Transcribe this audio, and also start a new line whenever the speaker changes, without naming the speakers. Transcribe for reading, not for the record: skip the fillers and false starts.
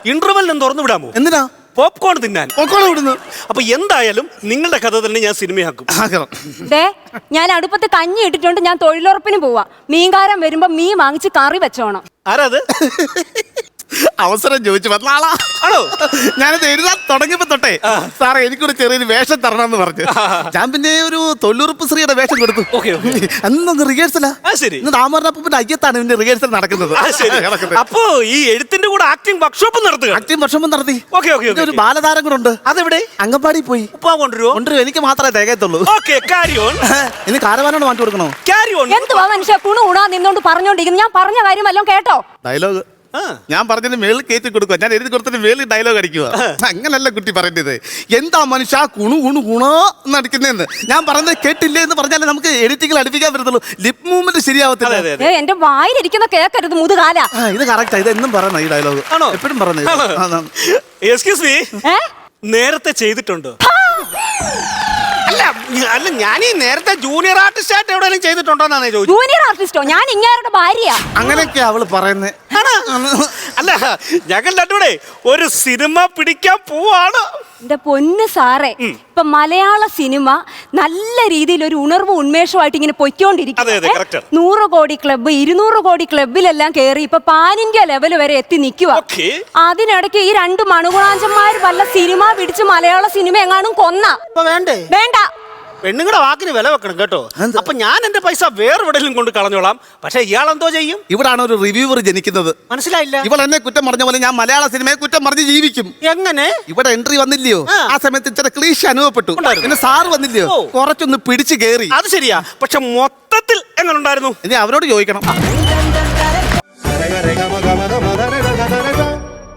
ഇന്റർവെല്ലിനും തുറന്നു വിടാമോ?
എന്തിനാ?
പോപ്കോൺ തിന്നാൻ.
പോപ്കോൺ വിടുന്നു.
അപ്പൊ എന്തായാലും നിങ്ങളുടെ കഥ തന്നെ ഞാൻ സിനിമയാക്കും.
ഞാൻ അടുപ്പത്ത് കഞ്ഞി ഇട്ടിട്ടുണ്ട്. ഞാൻ തൊഴിലുറപ്പിന് പോവാ. മീൻകാരൻ വരുമ്പോ മീൻ വാങ്ങിച്ച് കറി വെച്ചോണം.
ആരാത്?
അവസരം ചോദിച്ചു വന്ന ആളാ.
ആണോ?
ഞാനത് എഴുതാൻ തുടങ്ങിയപ്പോ തൊട്ടേ സാറേ എനിക്കൊരു ചെറിയൊരു വേഷം തരണമെന്ന് പറഞ്ഞു. ഞാൻ പിന്നെ ഒരു തൊഴിലുറപ്പ് സ്ത്രീയുടെ വേഷം കൊടുത്തു. അന്നൊന്ന് റിഹേഴ്സലാ. ഇന്ന് താമരപ്പൂപ്പിന്റെ അയ്യത്താണ് ഇതിന്റെ റിഹേഴ്സൽ നടക്കുന്നത്.
അപ്പോ ഈ എഴുത്തിന്റെ കൂടെ ആക്ടിംഗ് വർക്ക്ഷോപ്പ് നടത്തുക?
ആക്ടിംഗ് വർക്ക്ഷോപ്പ് നടത്തി. ഒരു ബാലതാരം കൂടെ ഉണ്ട്.
അതെവിടെ?
അങ്കമ്പാടി പോയി.
ഉപ്പാ കൊണ്ടുവരുമോ?
എനിക്ക് മാത്രമേ തികയത്തുള്ളൂ.
ഇനി
കാരവാനോട് മാറ്റി കൊടുക്കണോ?
എന്തുവാ മനുഷ്യ കുണു കുണാ നിന്നോണ്ട് പറഞ്ഞോണ്ടിരിക്കുന്നു? ഞാൻ പറഞ്ഞ കാര്യം വല്ലതും കേട്ടോ?
ഡയലോഗ് ഞാൻ പറഞ്ഞതിന് മേളിൽ കയറ്റി കൊടുക്കുക. ഞാൻ എഴുതി കൊടുത്തതിന് മേളിൽ ഡയലോഗ് അടിക്കുക. അങ്ങനല്ല കുട്ടി പറയേണ്ടത്. എന്താ മനുഷ്യ കുണു കുണു ഗുണോ എന്ന് അടിക്കുന്നതെന്ന് ഞാൻ പറഞ്ഞത് കേട്ടില്ലേ എന്ന് പറഞ്ഞാലേ നമുക്ക് എഡിറ്റിംഗിൽ അടുപ്പിക്കാൻ പറ്റത്തുള്ളൂ. ലിപ് മൂവ്മെന്റ് ശരിയാവത്തില്ല.
എന്റെ വായിലിരിക്കുന്ന കേക്കരുത് മുതുകാല.
ഇത് കറക്റ്റാ. ഇത് എന്നും പറയുന്ന ഈ ഡയലോഗ് എപ്പോഴും പറയുന്നത്.
എക്സ്ക്യൂസ് മീ, നേരത്തെ ചെയ്തിട്ടുണ്ടോ? അല്ല ഞാൻ ഈ നേരത്തെ ജൂനിയർ ആർട്ടിസ്റ്റ് ആയിട്ട് എവിടെയെങ്കിലും ചെയ്തിട്ടുണ്ടോന്നാണ് ചോദിച്ചത്.
ജൂനിയർ ആർട്ടിസ്റ്റോ? ഞാൻ ഇങ്ങേരുടെ ഭാര്യയാ.
അങ്ങനെയൊക്കെയാ അവള് പറയുന്നത്.
അല്ല ഞങ്ങൾ രണ്ടുകൂടെ ഒരു സിനിമ പിടിക്കാൻ പോവാണ്.
എന്റെ പൊന്ന് സാറേ, ഇപ്പൊ മലയാള സിനിമ നല്ല രീതിയിൽ ഒരു ഉണർവ് ഉന്മേഷമായിട്ട് ഇങ്ങനെ പൊയ്ക്കൊണ്ടിരിക്കും. 100 കോടി ക്ലബ്ബ് 200 കോടി ക്ലബിലെല്ലാം കയറി ഇപ്പൊ പാൻ ഇന്ത്യ ലെവൽ വരെ എത്തി നിൽക്കുക. അതിനിടയ്ക്ക് ഈ 2 മണുകുണാഞ്ചന്മാർ വല്ല സിനിമ പിടിച്ച് മലയാള സിനിമ എങ്ങാനും കൊന്ന വേണ്ട.
പെണ്ണുങ്ങളുടെ വാക്കിന് വില വെക്കണം കേട്ടോ. അപ്പൊ ഞാൻ എന്റെ പൈസ വേറെവിടെയും കൊണ്ട് കളഞ്ഞോളാം. പക്ഷെ ഇയാൾ എന്തോ ചെയ്യും?
ഇവിടാണ് ഒരു റിവ്യൂവർ ജനിക്കുന്നത്.
മനസ്സിലായില്ല?
ഇവൾ എന്നെ കുറ്റം പറഞ്ഞ പോലെ ഞാൻ മലയാള സിനിമയെ കുറ്റം പറഞ്ഞ് ജീവിക്കും.
എങ്ങനെ?
ഇവിടെ എൻട്രി വന്നില്ലയോ, ആ സമയത്ത് ഇച്ചിരി ക്ലീശ അനുഭവപ്പെട്ടു. പിന്നെ സാറ് വന്നില്ലയോ, കുറച്ചൊന്ന് പിടിച്ചു കേറി.
അത് ശരിയാ. പക്ഷെ മൊത്തത്തിൽ എങ്ങനെ ഉണ്ടായിരുന്നു?
ഇനി അവരോട് ചോദിക്കണം.